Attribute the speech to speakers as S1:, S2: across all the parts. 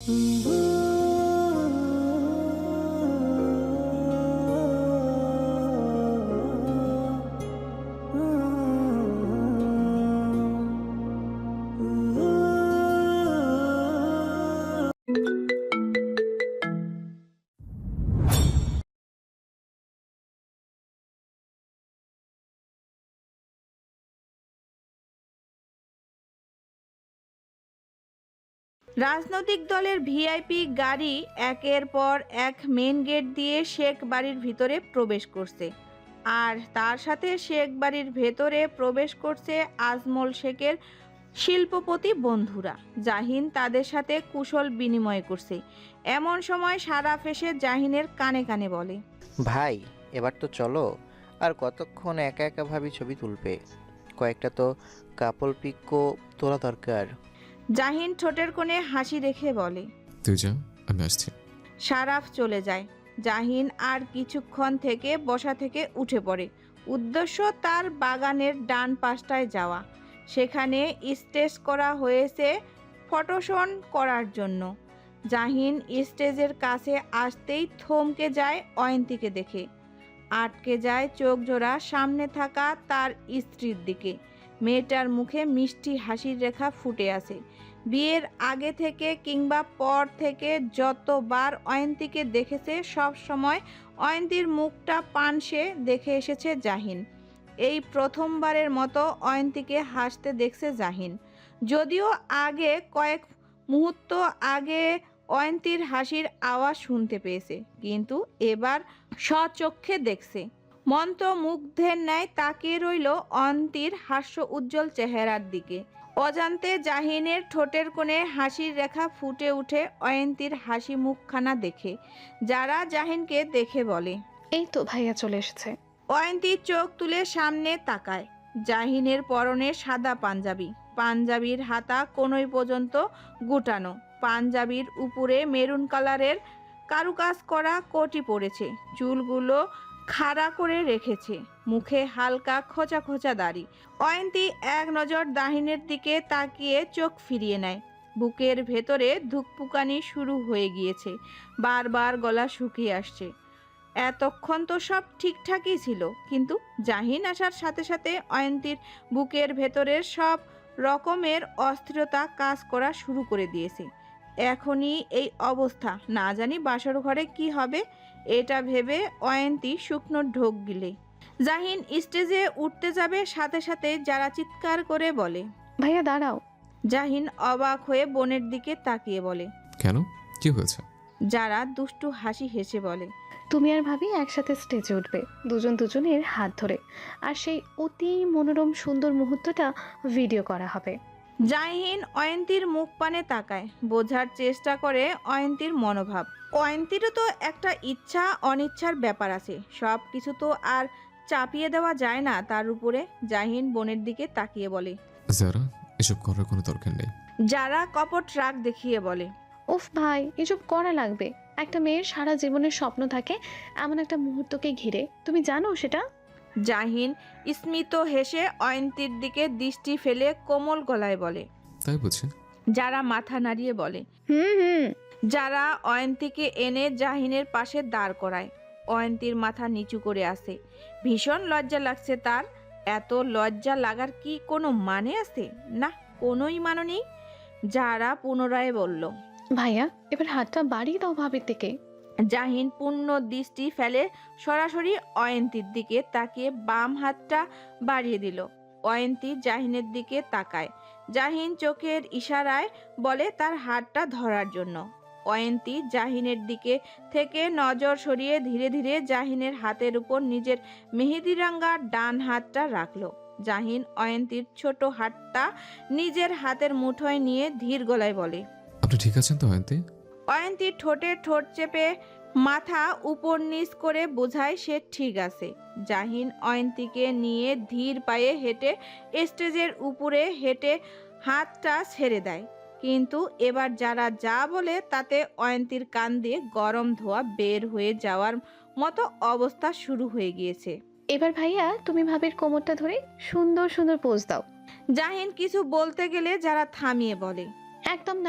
S1: রাজনৈতিক দলের ভিআইপি গাড়ি একের পর এক মেন গেট দিয়ে শেখ বাড়ির ভিতরে প্রবেশ করছে, আর তার সাথে শেখ বাড়ির ভেতরে প্রবেশ করছে আজমল শেখের শিল্পপতি বন্ধুরা। জাহিন তাদের সাথে কুশল বিনিময় করছে। এমন সময় সারাফ এসে জাহিনের কানে কানে বলে,
S2: ভাই এবার তো চলো, আর কতক্ষণ একা একা ভাবি ছবি তুলবে? কয়েকটা তো কাপল পিকও তোলা দরকার।
S1: জাহিন ঠোঁটের কোণে হাসি রেখে বলে,
S3: তুই যা, আমি আসছি।
S1: সারাফ চলে যায়। জাহিন আর কিছুক্ষণ থেকে বসা থেকে উঠে পড়ে। উদ্দেশ্য তার বাগানের ডান পাশটায় যাওয়া। সেখানে স্টেজ করা হয়েছে ফটোশন করার জন্য। জাহিন স্টেজের কাছে আসতেই থমকে যায় অয়ন্তীকে দেখে। আটকে যায় চোখ জোড়া সামনে থাকা তার স্ত্রীর দিকে। মেয়েটার মুখে মিষ্টি হাসির রেখা ফুটে আছে। বিয়ের আগে থেকে কিংবা পর থেকে যতবার অয়ন্তীকে দেখেছে সব সময় অয়ন্তীর মুখটা পানসে দেখে এসেছে জাহিন। এই প্রথমবারের মতো অয়ন্তীকে হাসতে দেখছে জাহিন। যদিও আগে কয়েক মুহূর্ত আগে অয়ন্তীর হাসির আওয়াজ শুনতে পেয়েছে, কিন্তু এবার স্বচক্ষে দেখছে। মন্ত্রমুগ্ধের ন্যায় তাকিয়ে রইল অয়ন্তীর হাস্য উজ্জ্বল চেহারার দিকে। অজান্তে জাহিনের ঠোঁটের কোণে হাসির রেখা ফুটে উঠে অয়ন্তীর হাসি মুখখানা দেখে। যারা জাহিনকে দেখে বলে,
S4: এই তো ভাইয়া চলে এসেছে।
S1: অয়ন্তী চোখ তুলে সামনে তাকায়। জাহিনের পরনে সাদা পাঞ্জাবি, পাঞ্জাবির হাতা কোনই পর্যন্ত গুটানো, পাঞ্জাবির উপরে মেরুন কালারের কারুকাজ করা কোটি পরেছে, চুলগুলো খাড়া করে রেখেছে, মুখে হালকা খোঁচা খোঁচা দাড়ি। অয়ন্তী এক নজর জাহিনের দিকে তাকিয়ে চোখ ফিরিয়ে নেয়। বুকের ভেতরে ধুকপুকানি শুরু হয়ে গিয়েছে, বারবার গলা শুকিয়ে আসছে। এতক্ষণ তো সব ঠিকঠাকই ছিল, কিন্তু জাহিন আসার সাথে সাথে অয়ন্তীর বুকের ভেতরের সব রকমের অস্থিরতা কাজ করা শুরু করে দিয়েছে। এখনই এই অবস্থা, না জানি বাসর ঘরে কি হবে, এটা ভেবে অয়ন্তী শুকনো ঢোক গিলে জাহিন স্টেজে উঠতে যাবে, সাথে সাথে যারা চিৎকার করে বলে,
S4: ভাইয়া দাঁড়াও।
S1: জাহিন অবাক হয়ে বোনের দিকে তাকিয়ে বলে,
S3: কেন, কি হয়েছে?
S1: যারা দুষ্টু হাসি হেসে বলে,
S4: তুমি আর ভাবি একসাথে স্টেজে উঠবে, দুজন দুজনের হাত ধরে, আর সেই অতি মনোরম সুন্দর মুহূর্তটা ভিডিও করা হবে।
S1: জাহিন অয়ন্তীর মুখ পানে তাকায়, বোঝার চেষ্টা করে অয়ন্তীর মনোভাব। অয়ন্তীরও তো একটা ইচ্ছা অনিচ্ছার ব্যাপার আছে, সব কিছু তো আর চাপিয়ে দেওয়া যায় না তার উপরে। জাহিন বোনের দিকে তাকিয়ে বলে,
S3: যারা, এসব করার কোনো দরকার নেই।
S1: যারা কপট রাগ দেখিয়ে বলে,
S4: উফ ভাই, এসব করা লাগবে? একটা মেয়ের সারা জীবনের স্বপ্ন থাকে এমন একটা মুহূর্তকে ঘিরে, তুমি জানো সেটা?
S1: জাহিন স্মিত হেসে অয়ন্তীর দিকে দৃষ্টি ফেলে কোমল গলায় বলে,
S3: তাই বুঝি?
S1: যারা মাথা নাড়িয়ে বলে।
S4: হুম।
S1: যারা অয়ন্তীকে এনে জাহিনের পাশে দাঁড় করায়। অয়ন্তীর মাথা নিচু করে আসে। ভীষণ লজ্জা লাগছে তার। এত লজ্জা লাগার কি কোনো মানে আছে? না, কোনোই মানে নেই। যারা পুনরায় বলল,
S4: ভাইয়া এবার হাতটা বাড়িয়ে দাও ভাবির দিকে।
S1: জাহিন পূর্ণ দৃষ্টি ফেলে সরাসরি অয়ন্তীর দিকে তাকিয়ে বাম হাতটা বাড়িয়ে দিল। অয়ন্তী জাহিনের দিকে তাকায়। জাহিন চোখের ইশারায় বলে তার হাতটা ধরার জন্য। অয়ন্তী জাহিনের দিকে থেকে নজর সরিয়ে ধীরে ধীরে জাহিনের হাতের উপর নিজের মেহেদিরাঙ্গা ডান হাতটা রাখল। জাহিন অয়ন্তীর ছোট হাতটা নিজের হাতের মুঠোয় নিয়ে ধীর গলায় বলে,
S3: আপনি ঠিক আছেন তো অয়ন্তী?
S1: অয়ন্তী ঠোঁটে ঠোঁট চেপে মাথা উপর নিচ করে বোঝায় সে ঠিক আছে। জাহিন অয়ন্তীকে নিয়ে ধীর পায়ে হেঁটে স্টেজের উপরে হেঁটে হাতটা ছেড়ে দেয়। কিন্তু এবার যারা যা বলে তাতে অয়ন্তীর কান দিয়ে গরম ধোঁয়া বের হয়ে যাওয়ার মতো অবস্থা শুরু হয়ে গিয়েছে।
S4: এবার ভাইয়া তুমি ভাবির কোমরটা ধরে সুন্দর সুন্দর পোজ দাও।
S1: জাহিন কিছু বলতে গেলে যারা থামিয়ে বলে,
S4: একদম না,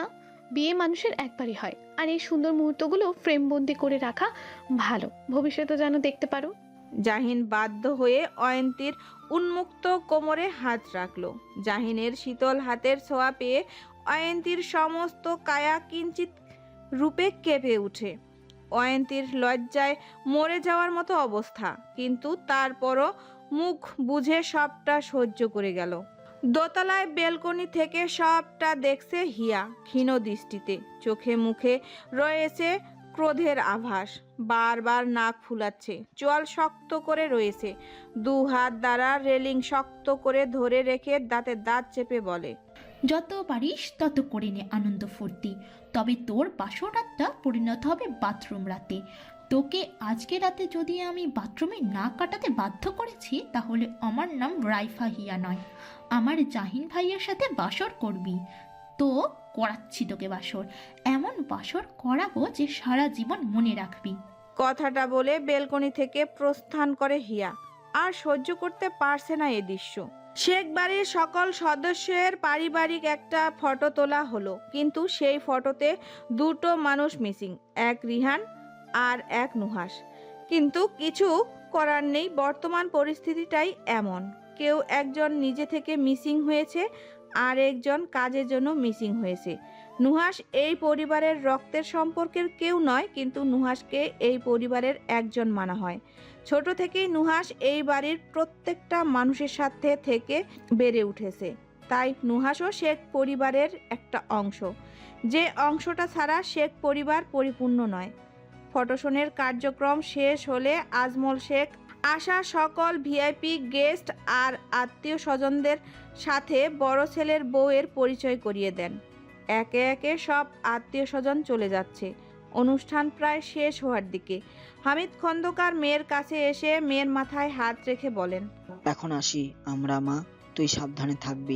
S4: বিয়ে মানুষের একবারই হয়, আর এই সুন্দর মুহূর্তগুলো ফ্রেমবন্দি করে রাখা ভালো, ভবিষ্যতে যেন দেখতে পারো।
S1: জাহিন বাধ্য হয়ে অয়ন্তীর উন্মুক্ত কোমরে হাত রাখল। জাহিনের শীতল হাতের ছোঁয়া পেয়ে অয়ন্তীর সমস্ত কায়া কিঞ্চিত রূপে কেঁপে ওঠে। অয়ন্তীর লজ্জায় মরে যাওয়ার মতো অবস্থা, কিন্তু তারপরও মুখ বুঝে সবটা সহ্য করে গেল। দোতলায় বেলকনি থেকে সবটা দেখছে হিয়া ক্ষীণ দৃষ্টিতে। চোখে মুখে রয়েছে ক্রোধের আভাস। বারবার নাক ফুলাচ্ছে, চোয়াল শক্ত করে রয়েছে। দু হাত দ্বারা রেলিং শক্ত করে ধরে রেখে দাঁতে দাঁত চেপে বলে,
S5: যত পারিস তত করে নে আনন্দ ফুর্তি, তবে তোর বাসর রাতটা পরিণত হবে বাথরুম রাতে। তোকে আজকে রাতে যদি আমি বাথরুমে না কাটাতে বাধ্য করেছি, তাহলে আমার নাম রাইফা হিয়া নয়, আমার জাহিন ভাইয়ের সাথে বাসর করবি। তো করাচ্ছি তোকে বাসর, এমন বাসর করাবো যে সারা জীবন মনে রাখবি।
S1: কথাটা বলে বেলকনি থেকে প্রস্থান করে হিয়া। আর সহ্য করতে পারছে না এ দৃশ্য। শেখ বাড়ির সকল সদস্যের পারিবারিক একটা ফটো তোলা হলো, কিন্তু সেই ফটোতে দুটো মানুষ মিসিং, এক রিহান আর এক নুহাস। কিন্তু কিছু করার নেই, বর্তমান পরিস্থিতিটাই এমন। কেউ একজন নিজে থেকে মিসিং হয়েছে, আর একজন কাজের জন্য মিসিং হয়েছে। নুহাস এই পরিবারের রক্তের সম্পর্কের কেউ নয়, কিন্তু নুহাসকে এই পরিবারের একজন মানা হয়। ছোট থেকেই নুহাস এই বাড়ির প্রত্যেকটা মানুষের সাথে থেকে বেড়ে উঠেছে, তাই নুহাসও শেখ পরিবারের একটা অংশ, যে অংশটা ছাড়া শেখ পরিবার পরিপূর্ণ নয়। ফটোশনের কার্যক্রম শেষ হলে আজমল শেখ আসা সকল ভিআইপি গেস্ট আর আত্মীয় স্বজনদের সাথে বড় ছেলের বউয়ের পরিচয় করিয়ে দেন। একে একে সব আত্মীয় স্বজন চলে যাচ্ছে। অনুষ্ঠান প্রায় শেষ হওয়ার দিকে। হামিদ খন্দকার মেয়ের কাছে এসে মেয়ের মাথায় হাত রেখে বলেন,
S6: এখন আসি আমরা মা, তুই সাবধানে থাকবি।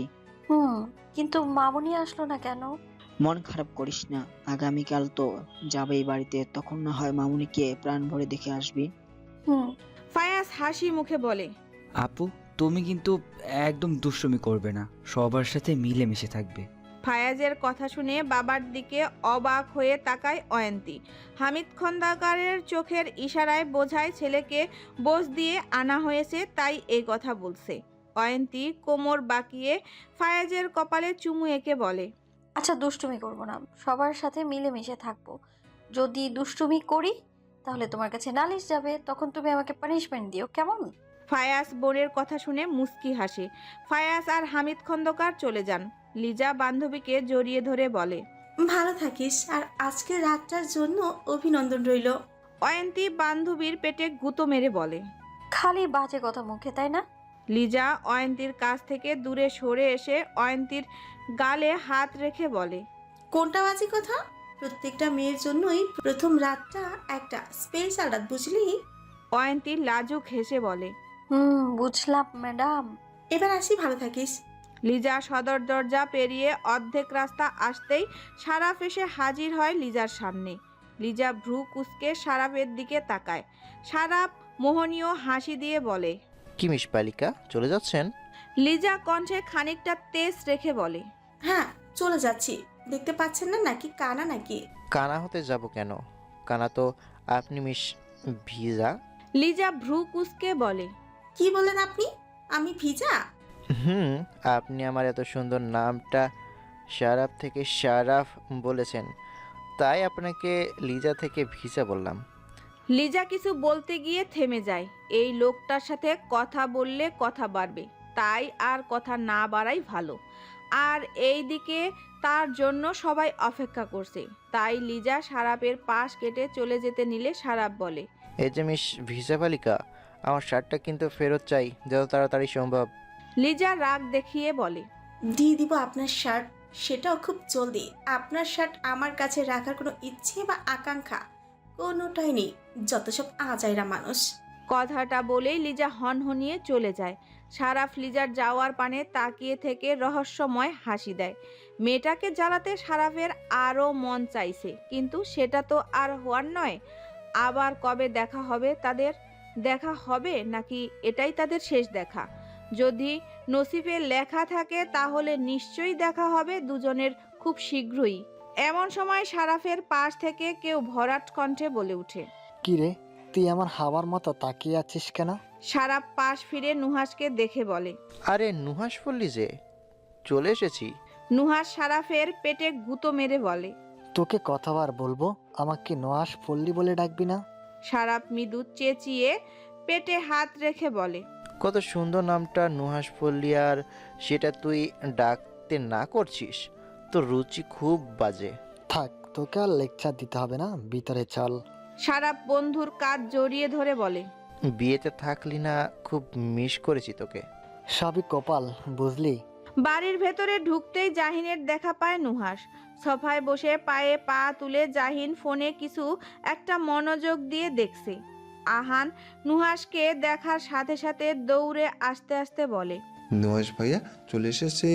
S7: কিন্তু মামুনি আসলো না কেন?
S6: মন খারাপ করিস না, আগামীকাল তো যাবেই বাড়িতে, তখন না হয় মামুনিকে প্রাণ ভরে দেখে আসবি।
S7: হুম।
S1: ফায়াজ হাসি মুখে বলে,
S8: আপু তুমি কিন্তু একদম দুষ্টুমি করবে না, সবার সাথে মিলেমিশে থাকবে।
S1: ফায়াজের কথা শুনে বাবার দিকে অবাক হয়ে তাকায় অয়ন্তী। হামিদ খন্দকারের চোখের ইশারায় বোঝায় ছেলেকে বোঝ দিয়ে আনা হয়েছে, তাই এই কথা বলছে। অয়ন্তী কোমর বাঁকিয়ে ফায়াজের কপালে চুমু এঁকে বলে,
S7: আচ্ছা দুষ্টুমি করব না, সবার সাথে মিলেমিশে থাকবো। যদি দুষ্টুমি করি তাহলে তোমার কাছে নালিশ যাবে, তখন তুমি আমাকে পানিশমেন্ট দিও, কেমন?
S1: ফায়াজ বোনের কথা শুনে মুস্কি হাসে। ফায়াজ আর হামিদ খন্দকার চলে যান। লিজা বান্ধবীকে জড়িয়ে ধরে বলে,
S9: ভালো থাকিস, আর আজকের রাতটার জন্য অভিনন্দন রইল।
S1: অয়ন্তী বান্ধবীর পেটে গুঁতো মেরে বলে,
S7: খালি বাজে কথা মুখে, তাই না?
S1: লিজা অয়ন্তীর কাছ থেকে দূরে সরে এসে অয়ন্তীর গালে হাত রেখে বলে,
S9: কোনটা বাজে কথা? প্রত্যেকটা মেয়ের জন্যই প্রথম রাতটা একটা স্পেশাল রাত, বুঝলি?
S1: অয়ন্তী লাজুক হেসে বলে,
S7: বুঝলাম ম্যাডাম।
S9: এবার আসি, ভালো থাকিস।
S1: লিজা সদর দরজা পেরিয়ে অর্ধেক রাস্তা আসতেই সারাফ এসে হাজির হয় লিজার সামনে। লিজা ভ্রু কুঁচকে সারাফের দিকে তাকায়। সারাফ মোহনীয় হাসি দিয়ে বলে,
S2: কি মিস বালিকা, চলে যাচ্ছেন?
S1: লিজা কণ্ঠে খানিকটা তেজ রেখে বলে,
S9: হ্যাঁ, চলে যাচ্ছি। দেখতে পাচ্ছেন না নাকি কানা নাকি?
S2: কানা হতে যাব কেন? কানা তো আপনি মিস ভিজা।
S1: লিজা ভ্রু কুঁচকে বলে,
S9: কি বলেন আপনি? আমি ভিজা?
S2: আপনি আমার এত সুন্দর নামটা শারাফ থেকে শারাফ বলেছেন, তাই আপনাকে লিজা থেকে ভিজা বললাম।
S1: লিজা কিছু বলতে গিয়ে থেমে যায়। এই লোকটার সাথে কথা বললে কথা বাড়বে, তাই আর কথা না বাড়াই ভালো। আর এই দিকে তার জন্য সবাই অপেক্ষা করছে, তাই লিজা সারাপের পাশ কেটে চলে যেতে নিলে সারাপ বলে,
S2: এই যে মিস ভিজা বালিকা, আমার শার্টটা কিন্তু ফেরত চাই, যত তাড়াতাড়ি সম্ভব।
S1: লিজা রাগ দেখিয়ে বলে,
S9: দিয়ে দিব আপনার শার্ট, সেটাও খুব জলদি। আপনার শার্ট আমার কাছে রাখার কোনো ইচ্ছে বা আকাঙ্ক্ষা কোনোটাই নেই, যত সব আজাইরা মানুষ।
S1: কথাটা বলেই লিজা হনহনিয়ে চলে যায়। সারাফ লিজার যাওয়ার পানে তাকিয়ে থেকে রহস্যময় হাসি দেয়। মেয়েটাকে জ্বালাতে সারাফের আরও মন চাইছে, কিন্তু সেটা তো আর হওয়ার নয়। আবার কবে দেখা হবে তাদের? দেখা হবে নাকি এটাই তাদের শেষ দেখা? যদি নসিবে লেখা থাকে তাহলে নিশ্চয়ই দেখা হবে দুজনের খুব শীঘ্রই। এমন সময় সারাফের পাশ থেকে কেউ ভরাট কণ্ঠে বলে ওঠে।
S10: কি রে, তুই আমার হাওয়ার মতো তাকিয়ে আছিস কেন?
S1: সারাফ পাশ ফিরে নুহাসকে দেখে বলে।
S2: আরে নুহাস বললি যে, চলে এসেছি।
S1: নুহাস সারাফের পেটে গুঁতো মেরে বলে।
S10: তোকে কতবার বলবো আমাকে নোয়াস পল্লী বলে ডাকবি না?
S1: সারাফ মৃদু চেঁচিয়ে পেটে হাত রেখে বলে।
S2: কত সুন্দর নামটা নুহাস পল্লী, আর সেটা তুই ডাকতে না করছিস, তোর রুচি খুব বাজে।
S10: থাক, তোকে আর লেকচার দিতে হবে না, ভিতরে চল।
S1: সারাফ বন্ধুর কাঁধ জড়িয়ে ধরে বলে।
S2: বিয়েতে থাকলি না, খুব মিস করেছি তোকে।
S10: সবই কপাল, বুঝলি?
S1: বাড়ির ভেতরে ঢুকতেই জাহিনের দেখা পায় নুহাস। সোফায় বসে পায়ে পা তুলে জাহিন ফোনে কিছু একটা মনোযোগ দিয়ে দেখছে। আহান নুহাসকে দেখার সাথে সাথে দৌড়ে আসতে আসতে বলে।
S11: নুহাস ভাইয়া চলে এসেছে।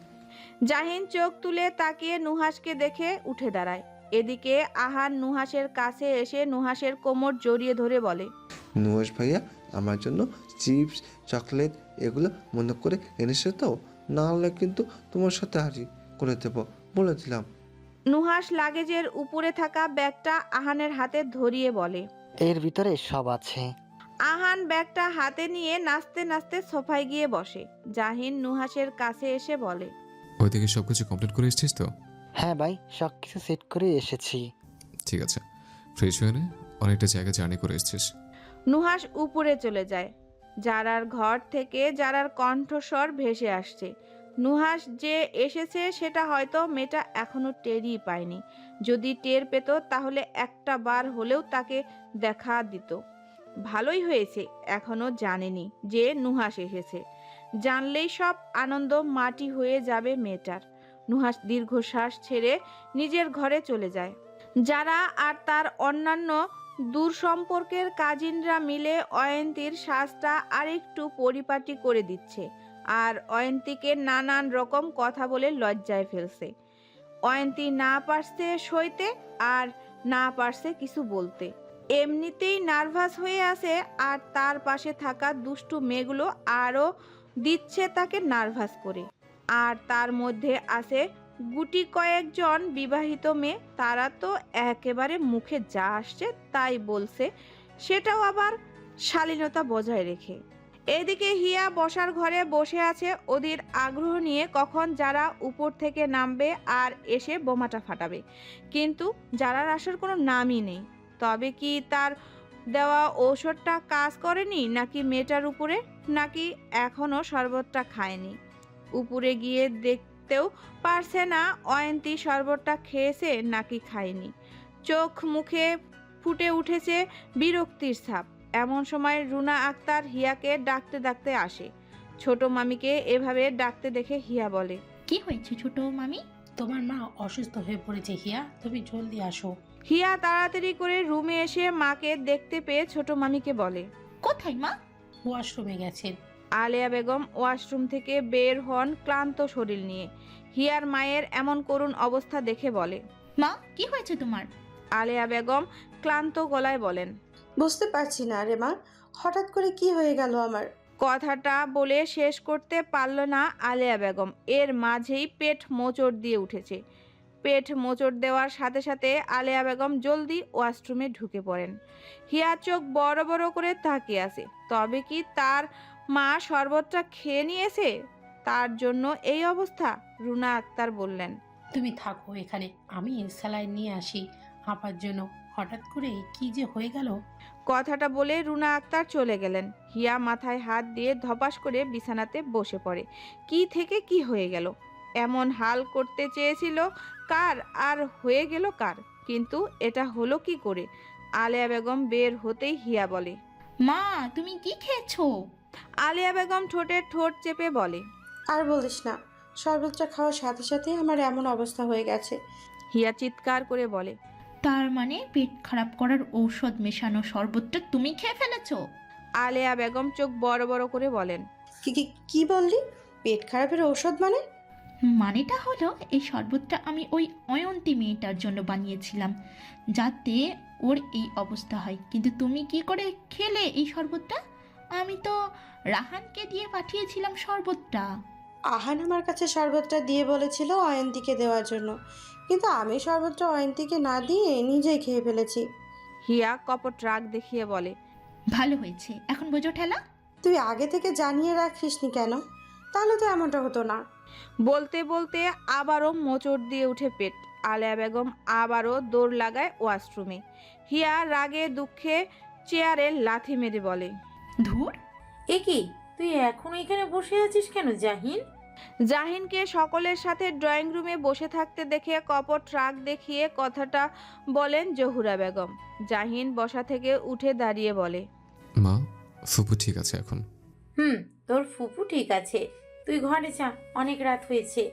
S1: জাহিন চোখ তুলে তাকিয়ে নুহাসকে দেখে উঠে দাঁড়ায়। এদিকে আহান নুহাসের কাছে এসে নুহাসের কোমর জড়িয়ে ধরে বলে।
S11: নুহাস ভাইয়া আমার জন্য চিপস, চকলেট এগুলো মনে করে এনেছে তো, না হলে কিন্তু তোমার সাথে হারি করে দেব, বলে দিলাম।
S1: নুহাস লাগেজের উপরে থাকা ব্যাগটা আহানের হাতে ধরিয়ে বলে।
S10: এর ভিতরে সব আছে।
S1: আহান ব্যাগটা হাতে নিয়ে নাচতে নাচতে সোফায় গিয়ে বসে। জাহিন নুহাসের কাছে এসে বলে।
S3: ওইদিকে সবকিছু কমপ্লিট করে এসেছিস তো?
S10: হ্যাঁ ভাই, সব কিছু সেট করে এসেছি।
S3: ঠিক আছে, ফ্রেশ হয়ে নে, অনেকটা জায়গা জার্নি করে এসেছিস।
S1: নুহাস উপরে চলে যায়। জারার ঘর থেকে জারার কণ্ঠস্বর ভেসে আসছে। নুহাস যে এসেছে সেটা হয়তো মেয়েটা এখনো টেরই পায়নি। যদি টের পেত তাহলে একটা বার হলেও তাকে দেখা দিত। ভালোই হয়েছে এখনো জানেনি যে নুহাস এসেছে। জানলেই সব আনন্দ মাটি হয়ে যাবে মেয়েটার। নুহাস দীর্ঘশ্বাস ছেড়ে নিজের ঘরে চলে যায়। যারা আর তার অন্যান্য দূর সম্পর্কের কাজিনরা মিলে অয়ন্তীর সাজটা আরেকটু পরিপাটি করে দিচ্ছে, আর অয়ন্তীকে নানান রকম কথা বলে লজ্জায় ফেলছে। অয়ন্তী না পারছে সইতে, আর না পারছে কিছু বলতে। এমনিতেই নার্ভাস হয়ে আছে, আর তার পাশে থাকা দুষ্টু মেয়েগুলো আরও দিচ্ছে তাকে নার্ভাস করে। আর তার মধ্যে আছে গুটি কয়েকজন বিবাহিত মেয়ে, তারা তো একেবারে মুখে যা আসছে তাই বলছে, সেটাও আবার শালীনতা বজায় রেখে। এদিকে হিয়া বসার ঘরে বসে আছে ওদের আগ্রহ নিয়ে, কখন যারা উপর থেকে নামবে আর এসে বোমাটা ফাটাবে। কিন্তু যারার আসার কোনো নামই নেই। তবে কি তার দেওয়া ঔষধটা কাজ করেনি, নাকি মেয়েটার উপরে, নাকি এখনো শরবতটা খায়নি? উপরে গিয়ে দেখতেও পারছে না অয়ন্তী শরবতটা খেয়েছে নাকি খায়নি। চোখ মুখে ফুটে উঠেছে বিরক্তির ছাপ। এমন সময় রুনা আক্তার হিয়াকে ডাকতে ডাকতে আসে। ছোট মামিকে এভাবে ডাকতে দেখে হিয়া বলে।
S5: কি হয়েছে ছোট মামি?
S12: তোমার মা অসুস্থ হয়ে পড়েছে হিয়া, তুমি জলদি আসো।
S1: হিয়া তাড়াতাড়ি করে রুমে এসে মাকে দেখতে পেয়ে ছোট মামিকে বলে।
S5: কোথায় মা?
S12: ওয়াশরুমে গেছেন।
S1: আলেয়া বেগম ওয়াশরুম থেকে বের হন ক্লান্ত শরীর নিয়ে। হিয়ার মায়ের এমন করুণ অবস্থা দেখে বলে।
S5: মা কি হয়েছে তোমার?
S1: আলেয়া বেগম ক্লান্ত গলায় বলেন।
S9: বুঝতে পারছি না রে মা, হঠাৎ করে কি হয়ে গেল আমার।
S1: কথাটা বলে শেষ করতে পারল না আলেয়া বেগম, এর মাঝেই পেট মোচড় দিয়ে উঠেছে। পেট মোচড় দেওয়ার সাথে সাথে আলেয়া বেগম জলদি ওয়াশরুমে ঢুকে পড়েন। হিয়া চোখ বড় বড় করে তাকিয়ে আছে। তবে কি তার মা শরবতটা খেয়ে নিয়েছে, তার জন্য এই অবস্থা? রুনা আক্তার বললেন।
S12: তুমি থাকো এখানে, আমি স্যালাইন নিয়ে আসি আপার জন্য। হঠাৎ করে কি যে হয়ে গেল।
S1: কথাটা বলে রুনা আক্তার চলে গেলেন। হিয়া মাথায় হাত দিয়ে ধপাস করে বিছানাতে বসে পড়ে। কি থেকে কি হয়ে গেল? এমন হাল করতে চেয়েছিল কার, আর হয়ে গেল কার? কিন্তু এটা হলো কি করে? আলেয়া বেগম বের হতেই হিয়া বলে।
S5: মা তুমি কি খেয়েছো?
S1: আলেয়া বেগম ঠোঁটে ঠোঁট চেপে বলে।
S9: আর বলিস না, শরবতটা খাওয়ার সাথে সাথে আমার এমন অবস্থা হয়ে গেছে।
S1: হিয়া চিৎকার করে বলে।
S5: তার মানে পেট খারাপ করার ঔষধ মেশানো শরবতটা তুমি খেয়ে ফেলেছো?
S1: আলেয়া বেগম চোখ বড় বড় করে বলেন।
S9: কি বললি? পেট খারাপের ঔষধ মানে?
S5: মানেটা হলো এই শরবতটা আমি ওই অয়ন্তী মেয়েটার জন্য বানিয়েছিলাম, যাতে ওর এই অবস্থা হয়। কিন্তু তুমি কি করে খেলে এই শরবতটা? আমি তো রাহানকে দিয়ে পাঠিয়েছিলাম শরবতটা।
S9: আহান আমার কাছে শরবতটা দিয়ে বলেছিল অয়ন্তীকে দেওয়ার জন্য,
S13: কিন্তু আমি সর্বত্র অয়ন্তীকে না দিয়ে নিজেই খেয়ে ফেলেছি।
S1: হিয়া কপট রাগ দেখিয়ে বলে,
S5: ভালো হয়েছে, এখন বোঝো ঠেলা।
S13: তুই আগে থেকে জানিয়ে রাখিসনি কেন? তাহলে তো এমনটা হতো না।
S1: বলতে বলতে আবারও মোচড় দিয়ে উঠে পেট। আলেয়া বেগম আবারও দৌড় লাগায় ওয়াশরুমে। হিয়া রাগে দুঃখে চেয়ারে লাথি মেরে বলে,
S14: ধুর, এ কি তুই এখনো এখানে বসে আছিস কেন জাহিন?
S1: জাহিনকে সকলের সাথে ড্রয়িং রুমে বসে থাকতে দেখে কপট রাগ দেখিয়ে কথাটা বলেন জহুরা বেগম। জাহিন বসা থেকে উঠে দাঁড়িয়ে বলে,
S3: মা, ফুপু ঠিক আছে এখন?
S14: তোর ফুপু ঠিক আছে, তুই ঘরে যা, অনেক রাত হয়েছে।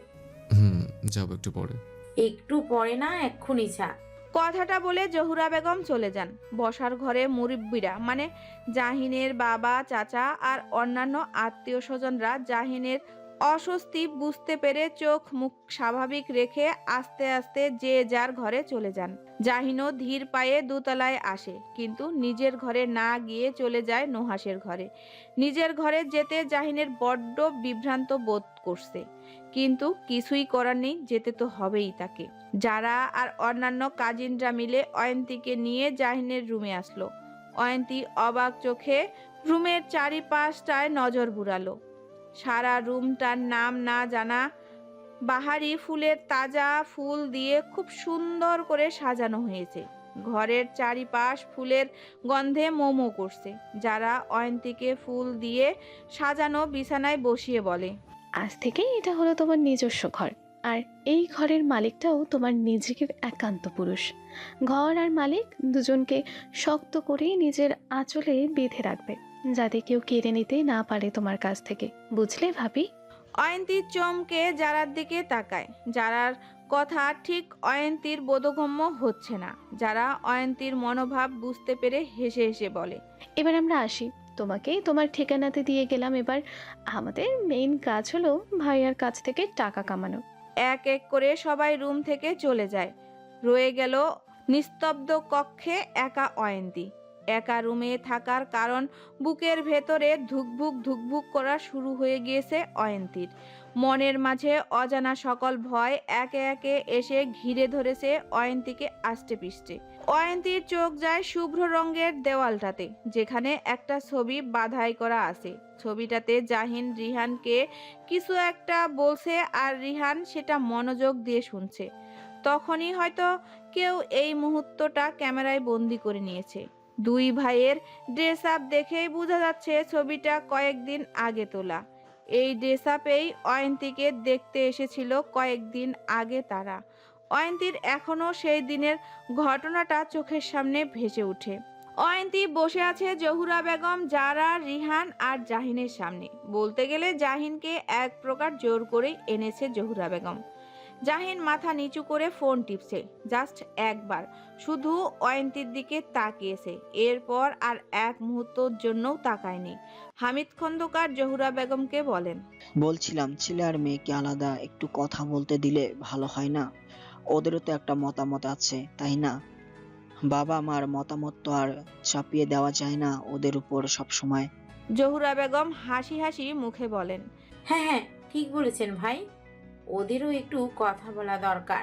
S3: যাবো একটু পরে।
S14: একটু পরে না, এক্ষুনি যা।
S1: কথাটা বলে জহুরা বেগম চলে যান। বসার ঘরে মুরব্বিরা মানে জাহিনের বাবা, চাচা আর অন্যান্য আত্মীয় স্বজনরা জাহিনের অস্বস্তি বুঝতে পেরে চোখ মুখ স্বাভাবিক রেখে আস্তে আস্তে যে যার ঘরে চলে যান। জাহিনও ধীর পায়ে দোতলায় আসে, কিন্তু নিজের ঘরে না গিয়ে চলে যায় নুহাসের ঘরে। নিজের ঘরে যেতে জাহিনের বড্ড বিভ্রান্ত বোধ করছে, কিন্তু কিছুই করার নেই, যেতে তো হবেই তাকে। যারা আর অন্যান্য কাজিনরা মিলে অয়ন্তীকে নিয়ে জাহিনের রুমে আসলো। অয়ন্তী অবাক চোখে রুমের চারিপাশটায় নজর বুড়ালো। সারা রুমটার নাম না জানা বাহারি ফুলের তাজা ফুল দিয়ে খুব সুন্দর করে সাজানো হয়েছে। ঘরের চারিপাশ ফুলের গন্ধে মোমো করছে। যারা অয়ন্তীকে ফুল দিয়ে সাজানো বিছানায় বসিয়ে বলে,
S4: আজ থেকেই এটা হলো তোমার নিজস্ব ঘর, আর এই ঘরের মালিকটাও তোমার নিজেকে একান্ত পুরুষ। ঘর আর মালিক দুজনকে শক্ত করে নিজের আঁচলে বেঁধে রাখবে, যাতে কেউ কেড়ে নিতে না পারে তোমার কাছ থেকে, বুঝলে ভাবি?
S1: অয়ন্তী চমকে যারার দিকে তাকায়। যারার কথা ঠিক অয়ন্তীর বোধগম্য হচ্ছে না। যারা অয়ন্তীর মনোভাব বুঝতে পেরে হেসে হেসে বলে,
S4: এবার আমরা আসি, তোমাকে তোমার ঠিকানাতে দিয়ে গেলাম। এবার আমাদের মেইন কাজ হলো ভাইয়ার কাছ থেকে টাকা কামানো।
S1: এক এক করে সবাই রুম থেকে চলে যায়। রয়ে গেল নিস্তব্ধ কক্ষে একা অয়ন্তী। একা রুমে থাকার কারণ বুকের ভেতরে ধুকভুক ধুকভুক করা শুরু হয়ে গিয়েছে অয়ন্তীর। মনের মাঝে অজানা সকল ভয় একে একে এসে ঘিরে ধরেছে অয়ন্তীকে আষ্টে পিষ্টে। অয়ন্তীর চোখ যায় শুভ্র রঙের দেওয়ালটাতে, যেখানে একটা ছবি বাঁধাই করা আছে। ছবিটাতে জাহিন রিহানকে কিছু একটা বলছে, আর রিহান সেটা মনোযোগ দিয়ে শুনছে। তখনই হয়তো কেউ এই মুহূর্তটা ক্যামেরায় বন্দি করে নিয়েছে। দুই ভাইয়ের ড্রেস আপ দেখেই বোঝা যাচ্ছে ছবিটা কয়েকদিন আগে তোলা। এই ড্রেস আপেই অয়ন্তীকে দেখতে এসেছিল কয়েকদিন আগে তারা। অয়ন্তীর এখনো সেই দিনের ঘটনাটা চোখের সামনে ভেসে ওঠে। অয়ন্তী বসে আছে জহুরা বেগম, যারা, রিহান আর জাহিনের সামনে। বলতে গেলে জাহিনকে এক প্রকার জোর করেই এনেছে জহুরা বেগম। জাহিন মাথা নিচু করে ফোন টিপছে, জাস্ট একবার শুধু অয়ন্তীর দিকে তাকিয়েছে, এরপর আর এক মুহূর্তের জন্যও তাকায়নি। হামিদ খন্দকার জহুরা বেগমকে বলেন,
S6: বলছিলাম ছেলে আর মেয়েকে আলাদা একটু কথা বলতে দিলে ভালো হয় না? ওদেরও তো একটা মতামত আছে, তাই না? বাবা মার মতামত তো আর চাপিয়ে দেওয়া যায় না ওদের উপর সব সময়।
S1: জহুরা বেগম হাসি হাসি মুখে বলেন,
S14: হ্যাঁ, ঠিক বলেছেন ভাই, ওদেরও একটু কথা বলা দরকার।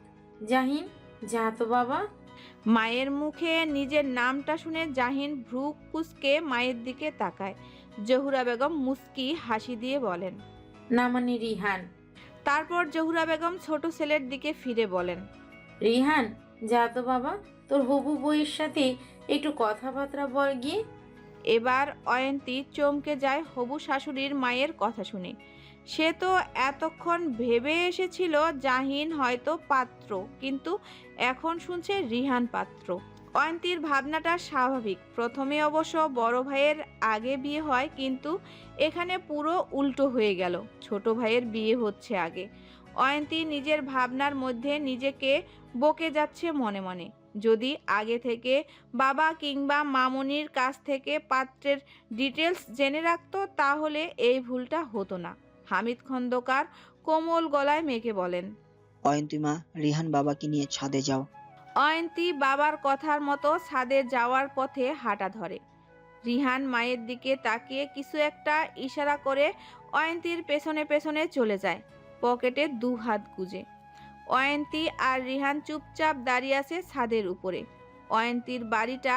S14: জাহিন, যা তো বাবা।
S1: মায়ের মুখে নিজের নামটা শুনে জাহিন ভ্রু কুঁচকে মায়ের দিকে তাকায়। জহুরা বেগম মুস্কি হাসি দিয়ে বলেন,
S14: না মানে রিহান।
S1: তারপর জহুরা বেগম ছোট ছেলের দিকে ফিরে বলেন,
S14: রিহান, যা তো বাবা, তোর হবু বউয়ের সাথে একটু কথাবার্তা বল গিয়ে।
S1: এবার অয়ন্তী চমকে যায় হবু শাশুড়ির মায়ের কথা শুনে। সে তো এতক্ষণ ভেবে এসেছিল জাহিন হয়তো পাত্র, কিন্তু এখন শুনছে রিহান পাত্র। অয়ন্তীর ভাবনাটা স্বাভাবিক। প্রথমে অবশ্য বড় ভাইয়ের আগে বিয়ে হয়, কিন্তু এখানে পুরো উল্টো হয়ে গেল, ছোট ভাইয়ের বিয়ে হচ্ছে আগে। অয়ন্তী নিজের ভাবনার মধ্যে নিজেকে বকে যাচ্ছে মনে মনে। যদি আগে থেকে বাবা কিংবা মামুনির কাছ থেকে পাত্রের ডিটেলস জেনে রাখতো, তাহলে এই ভুলটা হতো না। হামিদ খন্দকার কোমল গলায় মেয়েকে বলেন,
S6: অয়ন্তী মা, রিহান বাবাকে নিয়ে ছাদে যাও।
S1: অয়ন্তী বাবার কথার মতো ছাদে যাওয়ার পথে হাঁটা ধরে। রিহান মায়ের দিকে তাকিয়ে কিছু একটা ইশারা করে অয়ন্তীর পেছনে পেছনে চলে যায়, পকেটে দু হাত গুজে। অয়ন্তী আর রিহান চুপচাপ দাঁড়িয়ে আছে ছাদের উপরে। অয়ন্তীর বাড়িটা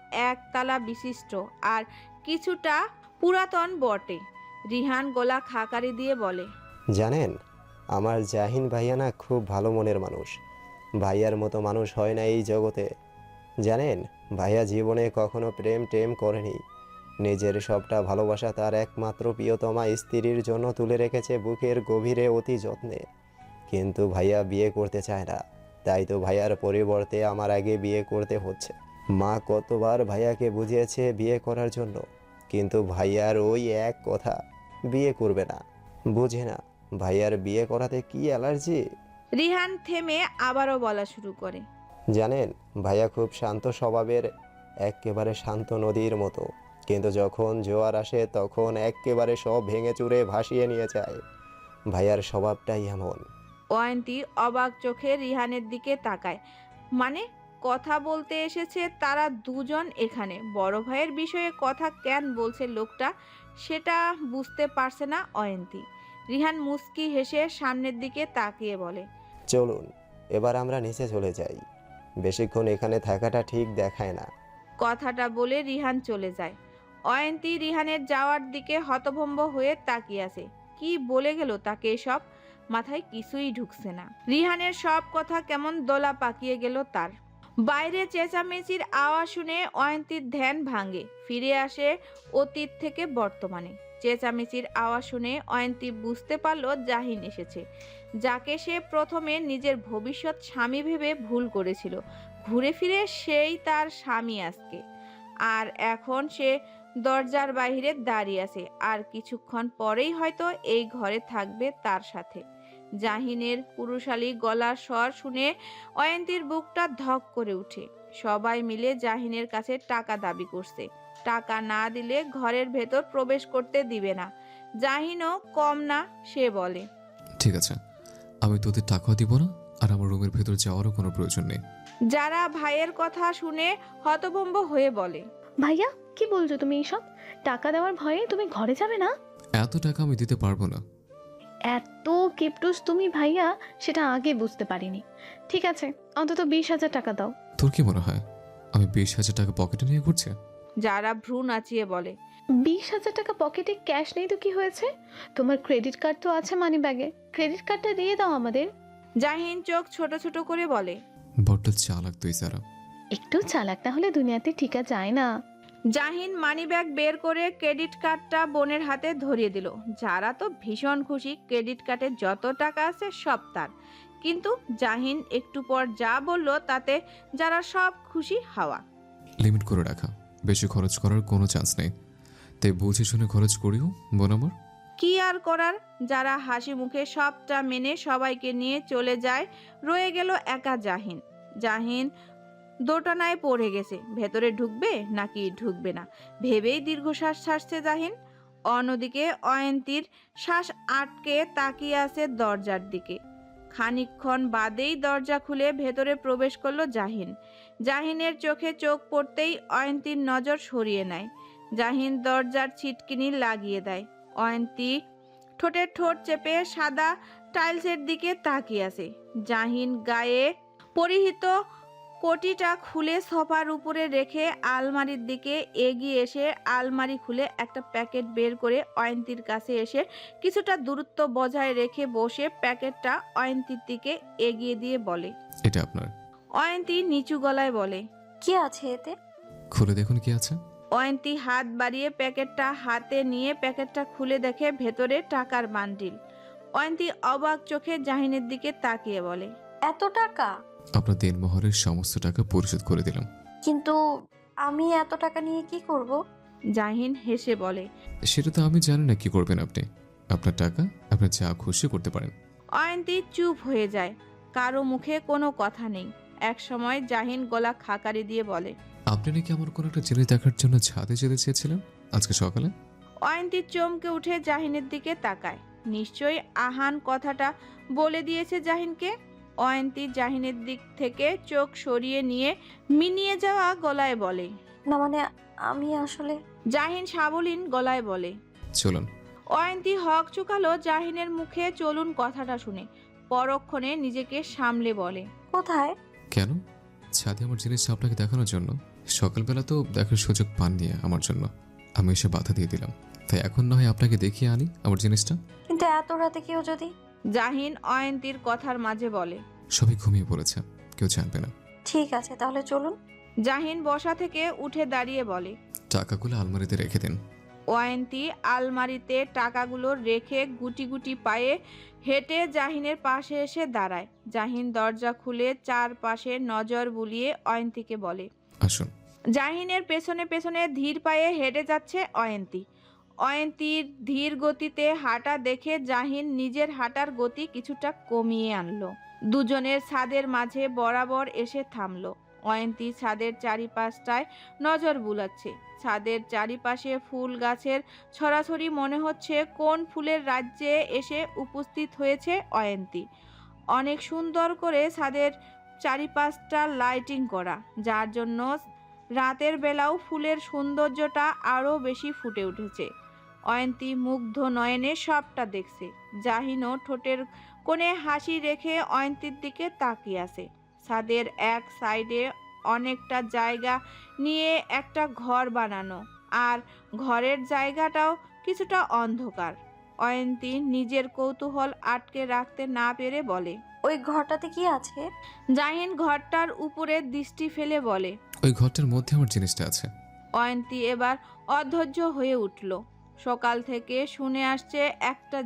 S1: একতলা বিশিষ্ট আর কিছুটা পুরাতন বটে। রিহান গলা খাকারি দিয়ে বলে,
S15: জানেন, আমার জাহিন ভাইয়া না খুব ভালো মনের মানুষ। ভাইয়ার মতো মানুষ হয় না এই জগতে। জানেন, ভাইয়া জীবনে কখনো প্রেম টেম করেনি। নিজের সবটা ভালোবাসা তার একমাত্র প্রিয়তমা স্ত্রীর জন্য তুলে রেখেছে বুকের গভীরে অতি যত্নে। কিন্তু ভাইয়া বিয়ে করতে চায় না, তাই তো ভাইয়ার পরিবর্তে আমার আগে বিয়ে করতে হচ্ছে। মা কতবার ভাইয়াকে বুঝিয়েছে বিয়ে করার জন্য, কিন্তু ভাইয়ার ওই এক কথা, বিয়ে করবে না। বুঝে না ভাইয়ার বিয়ে করাতে কি অ্যালার্জি।
S1: রিহান থেমে আবারও বলা শুরু করে,
S15: জানেন, ভাইয়া খুব শান্ত স্বভাবের, একেবারে শান্ত নদীর মতো, কিন্তু যখন জোয়ার আসে তখন একেবারে সব ভেঙে চুরে ভাসিয়ে নিয়ে যায়। ভাইয়ার স্বভাবটাই এমন।
S1: অয়ন্তী অবাক চোখে রিহানের দিকে তাকায়। মানে কথা বলতে এসেছে তারা দুজন এখানে, বড় ভাইয়ের বিষয়ে কথা কেন বলছে লোকটা সেটা বুঝতে পারছে না অয়ন্তী। রিহান মুস্কি হেসে সামনের দিকে তাকিয়ে বলে,
S15: চলুন এবার আমরা নিচে চলে যাই, বেশিক্ষণ এখানে থাকাটা ঠিক দেখায় না।
S1: কথাটা বলে রিহান চলে যায়। অয়ন্তী রিহানের যাওয়ার দিকে হতভম্ব হয়ে তাকিয়ে আছে। কি বলে গেল তাকে এসব? মাথায় কিছুই ঢুকছে না। রিহানের সব কথা কেমন দোলা পাকিয়ে গেল তার। বাইরে চেঁচামেচির আওয়াজ শুনে অয়ন্তীর ধ্যান ভাঙে, ফিরে আসে অতীত থেকে বর্তমানে। চেঁচামেচির আওয়াজ শুনে অয়ন্তী বুঝতে পারল জাহিন এসেছে, যাকে সে প্রথমে নিজের ভবিষ্যৎ স্বামী ভেবে ভুল করেছিল। ঘুরে ফিরে সেই তার স্বামী আজকে। আর এখন সে দরজার বাইরে দাঁড়িয়ে আছে, আর কিছুক্ষণ পরেই হয়তো এই ঘরে থাকবে তার সাথে। জাহিনের পুরুষালী গলার স্বর শুনে অয়ন্তীর বুকটা ধক করে উঠে। সবাই মিলে জাহিনের কাছে টাকা দাবি করছে। টাকা না দিলে ঘরের ভেতর প্রবেশ করতে দিবে না। জাহিনও কম না, সে বলে,
S3: ঠিক আছে, আমি তোদের টাকাও দিব না, আর আমার রুমের ভেতর যাওয়ারও কোনো প্রয়োজন নেই।
S1: যারা ভাইয়ের কথা শুনে হতভম্ব হয়ে বলে,
S4: ভাইয়া কি বলছো তুমি এইসব? টাকা দেওয়ার ভয়ে তুমি ঘরে যাবে না?
S3: এত টাকা আমি দিতে পারবো না।
S4: এত কিপটুস তুমি ভাইয়া, সেটা আগে বুঝতে পারিনি। ঠিক আছে, অন্তত 20,000 টাকা দাও।
S3: তোর কি মনে হয় আমি 20,000 টাকা পকেটে নিয়ে ঘুরছি?
S1: যারা ভ্রু নাচিয়ে বলে,
S4: 20,000 টাকা পকেটে ক্যাশ নেই তো কি হয়েছে? তোমার ক্রেডিট কার্ড তো আছে মানি ব্যাগে, ক্রেডিট কার্ডটা দিয়ে দাও আমাদের।
S1: জাহিন চোখ ছোট ছোট করে বলে,
S3: বড্ড চালাক তুই সারা।
S4: একটু চালাক না হলে দুনিয়াতে টিকা যায় না।
S1: জাহিন মানিব্যাগ বের করে ক্রেডিট কার্ডটা বোনের হাতে ধরিয়ে দিল। যারা তো ভীষণ খুশি, ক্রেডিট কার্ডে যত টাকা আছে সব তার। কিন্তু জাহিন একটু পর যা বলল তাতে যারা সব খুশি হাওয়া।
S3: লিমিট করে রাখা, বেশি খরচ করার কোনো চান্স নেই, তাই বুঝে শুনে খরচ করিও বোন আমার।
S1: কি আর করার, যারা হাসি মুখে সবটা মেনে সবাইকে নিয়ে চলে যায়। রয়ে গেল একা জাহিন। জাহিন দোটানায় পড়ে গেছে, ভেতরে ঢুকবে নাকি ঢুকবে না ভেবেই দীর্ঘশ্বাস ছাড়ছে জাহিন। অন্যদিকে অয়ন্তীর শ্বাস আটকে তাকিয়ে আছে দরজার দিকে। খানিকক্ষণ বাদেই দরজা খুলে ভেতরে প্রবেশ করলো জাহিন। জাহিনের চোখে চোখ পড়তেই অয়ন্তীর নজর সরিয়ে নেয়। জাহিন দরজার ছিটকিনি লাগিয়ে দেয়। অয়ন্তী ঠোঁটে ঠোঁট চেপে সাদা টাইলসের দিকে তাকিয়ে আছে। জাহিন গায়ে পরিহিত কোটিটা খুলে সোফার উপরে রেখে আলমারির দিকে এগিয়ে এসে আলমারি খুলে একটা প্যাকেট বের করে অয়ন্তীর কাছে এসে কিছুটা দূরত্ব বজায় রেখে বসে প্যাকেটটা অয়ন্তীর দিকে এগিয়ে দিয়ে বলে,
S3: এটা আপনার।
S1: অয়ন্তী নিচু গলায় বলে,
S7: কি আছে এতে?
S3: খুলে দেখুন কি আছে।
S1: অয়ন্তী হাত বাড়িয়ে প্যাকেটটা হাতে নিয়ে প্যাকেটটা খুলে দেখে ভেতরে টাকার বান্ডিল। অয়ন্তী অবাক চোখে জাহিনের দিকে তাকিয়ে বলে,
S7: এত টাকা?
S3: আপনার দিনমহরের সমস্ত টাকা পরিশোধ করে দিলাম।
S7: কিন্তু আমি এত টাকা নিয়ে কি করব?
S1: জাহিন হেসে বলে,
S3: সেটা তো আমি জানি না কি করবেন আপনি। আপনার টাকা আপনি যা খুশি করতে পারেন।
S1: অয়ন্তী চুপ হয়ে যায়, কারো মুখে কোনো কথা নেই। এক সময় জাহিন গলা খাকারি দিয়ে বলে,
S3: আপনি নাকি আমার কোনো একটা জিনিস দেখার জন্য ছাদে যেতে চেয়েছিলেন আজকে সকালে?
S1: অয়ন্তী চমকে উঠে জাহিনের দিকে তাকায়। নিশ্চয়ই আহান কথাটা বলে দিয়েছে জাহিনকে। অয়ন্তী জাহিনের দিক থেকে চোখ সরিয়ে নিয়ে মিনিয়ে যাওয়া গলায় বলে,
S7: না মানে আমি আসলে।
S1: জাহিন সাবলীন গলায় বলে,
S3: চলুন।
S1: অয়ন্তী হক চুকালো জাহিনের মুখে চলুন কথাটা শুনে। পরক্ষণে নিজেকে সামলে বলে,
S7: কোথায়?
S3: কেন? ছাদে আমার জিনিসটা আপনাকে দেখানোর জন্য। সকালবেলা তো দেখার সুযোগ পাননি আমার জন্য, আমি এসে বাধা দিয়ে দিলাম। তাই এখন না হয় আপনাকে দেখিয়ে আনি আমার জিনিসটা।
S7: কিন্তু এত রাতে কেউ যদি?
S1: জাহিন অয়ন্তীর কথার মাঝে বলে,
S3: সবাই ঘুমিয়ে পড়েছে, কেউ জানবে না।
S7: ঠিক আছে, তাহলে চলুন।
S1: জাহিন বসা থেকে উঠে দাঁড়িয়ে বলে,
S3: টাকাগুলো আলমারিতে রেখে দিন।
S1: অয়ন্তী আলমারিতে টাকাগুলো রেখে গুটি গুটি পায়ে হেঁটে জাহিনের পাশে এসে দাঁড়ায়। জাহিন দরজা খুলে চারপাশে নজর বুলিয়ে অয়ন্তীকে বলে,
S3: আসুন।
S1: জাহিনের পেছনে পেছনে ধীর পায়ে হেঁটে যাচ্ছে অয়ন্তী। অয়ন্তীর ধীর গতিতে হাঁটা দেখে জাহিন নিজের হাঁটার গতি কিছুটা কমিয়ে আনলো। দুজনের ছাদের মাঝে বরাবর এসে থামলো। অয়ন্তী ছাদের চারিপাশটায় নজর বুলাচ্ছে। ছাদের চারিপাশে ফুল গাছের ছড়াছড়ি, মনে হচ্ছে কোন ফুলের রাজ্যে এসে উপস্থিত হয়েছে অয়ন্তী। অনেক সুন্দর করে ছাদের চারিপাশটা লাইটিং করা, যার জন্য রাতের বেলাও ফুলের সৌন্দর্যটা আরও বেশি ফুটে উঠেছে। অয়ন্তী মুগ্ধ নয়নে সবটা দেখছে। জাহিনও ঠোঁটের কোণে হাসি রেখে অয়ন্তীর দিকে তাকিয়ে আছে। ছাদের এক সাইডে অনেকটা জায়গা নিয়ে একটা ঘর বানানো, আর ঘরের জায়গাটাও কিছুটা অন্ধকার। অয়ন্তী নিজের কৌতূহল আটকে রাখতে না পেরে বলে,
S7: ওই ঘরটাতে কি আছে?
S1: জাহিন ঘরটার উপরে দৃষ্টি ফেলে বলে,
S3: ওই ঘরটার মধ্যে আমার জিনিসটা আছে।
S1: অয়ন্তী এবার অধৈর্য হয়ে উঠল। সকাল থেকে শুনে আসছে একটা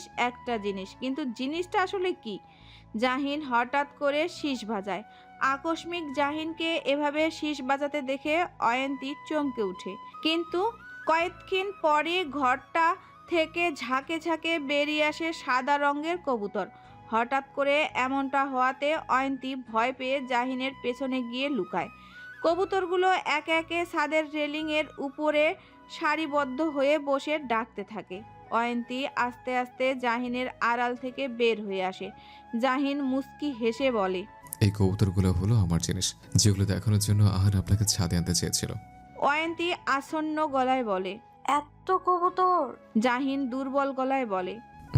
S1: জিনিস, কিন্তু জিনিসটা আসলে কি? জাহিন হঠাৎ করে শীষ বাজায়। আকস্মিক জাহিনকে এভাবে শীষ বাজাতে দেখে অয়ন্তী চমকে ওঠে। কিন্তু কয়েকক্ষণ পরে ঘরটা থেকে ঝাঁকে ঝাঁকে বেরিয়ে আসে সাদা রঙের কবুতর। হঠাৎ করে এমনটা হওয়াতে অয়ন্তী ভয় পেয়ে জাহিনের পেছনে গিয়ে লুকায়। কবুতরগুলো একে একে ছাদের রেলিংয়ের উপরে সারিবদ্ধ হয়ে বসে ডাকতে থাকে। অয়ন্তী আস্তে আস্তে জাহিনের আড়াল থেকে বের হয়ে আসে। জাহিন মুস্কি হেসে বলে,
S3: এই কবুতরগুলো হলো আমার জিনিস, যেগুলো দেখানোর জন্য আহার আপনাকে ছাদে আনতে চেয়েছিল।
S1: অয়ন্তী আসন্ন গলায় বলে,
S7: এত কবুতর?
S1: জাহিন দুর্বল গলায় বলে,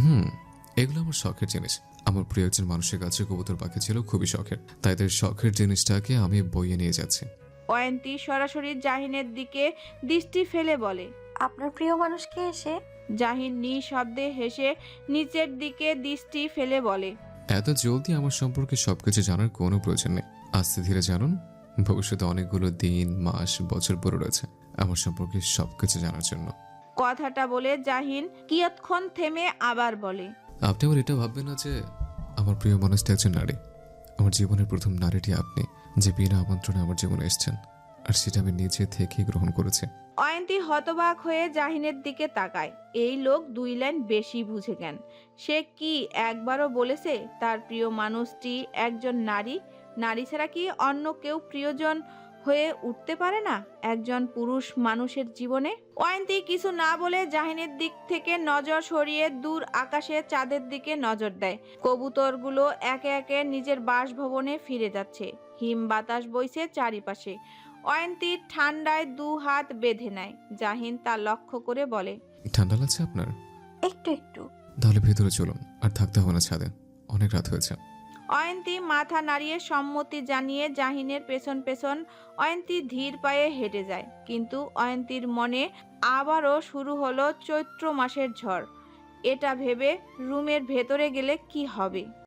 S3: এগুলো আমার শখের জিনিস। আমার প্রিয় একজন মানুষের কাছে কবুতর পাখি ছিল খুবই শখের, তাই তাদের শখের জিনিসটাকে আমি বইয়ে নিয়ে যাচ্ছি।
S1: অয়ন্তী সরাসরি জাহিনের দিকে দৃষ্টি ফেলে বলে,
S7: আপনার প্রিয় মানুষকে এসে?
S1: জাহিন নিঃশব্দে হেসে নিচের দিকে দৃষ্টি ফেলে বলে,
S3: এত জলদি আমার সম্পর্কে সবকিছু জানার কোনো প্রয়োজন নেই। আস্তে ধীরে জানুন, ভবিষ্যতে অনেকগুলো দিন, মাস, বছর পরে রয়েছে আমার সম্পর্কে সবকিছু জানার জন্য।
S1: কথাটা বলে জাহিন কিয়ৎক্ষণ থেমে আবার বলে,
S3: আপনি আবার এটা ভাববেন না যে আমার প্রিয় মানুষটা একজন নারী। আমার জীবনের প্রথম নারীটি আপনি, যে বিনা আমন্ত্রণে আমার জীবনে এসেছেন, আর সেটা আমি নিজে থেকেই গ্রহণ করেছি।
S1: অয়ন্তী হতবাক হয়ে জাহিনের দিকে তাকায়। এই লোক 2 লাইন বেশি বুঝে কেন? সে কি একবারও বলেছে তার প্রিয় মানুষটি একজন নারী? নারী ছাড়া কি অন্য কেউ প্রিয়জন হয়ে উঠতে পারে না একজন পুরুষ মানুষের জীবনে? অয়ন্তী কিছু না বলে জাহিনের দিক থেকে নজর সরিয়ে দূর আকাশে চাঁদের দিকে নজর দেয়। কবুতরগুলো একে একে নিজের বাসভবনে ফিরে যাচ্ছে। হিম বাতাস বইছে চারিপাশে। অয়ন্তী ঠান্ডায় 2 হাত বেঁধে নেয়। জাহিন তা লক্ষ্য করে বলে,
S3: ঠান্ডা লাগছে আপনার?
S7: একটু একটু।
S3: তাহলে ভেতরে চলুন, আর থাকতে হবে না ছাদে, অনেক রাত হয়েছে।
S1: অয়ন্তী মাথা নাড়িয়ে সম্মতি জানিয়ে জাহিনের পেছন পেছন অয়ন্তী ধীর পায়ে হেঁটে যায়। কিন্তু অয়ন্তীর মনে আবারও শুরু হলো চৈত্র মাসের ঝড়। এটা ভেবে রুমের ভেতরে গেলে কি হবে।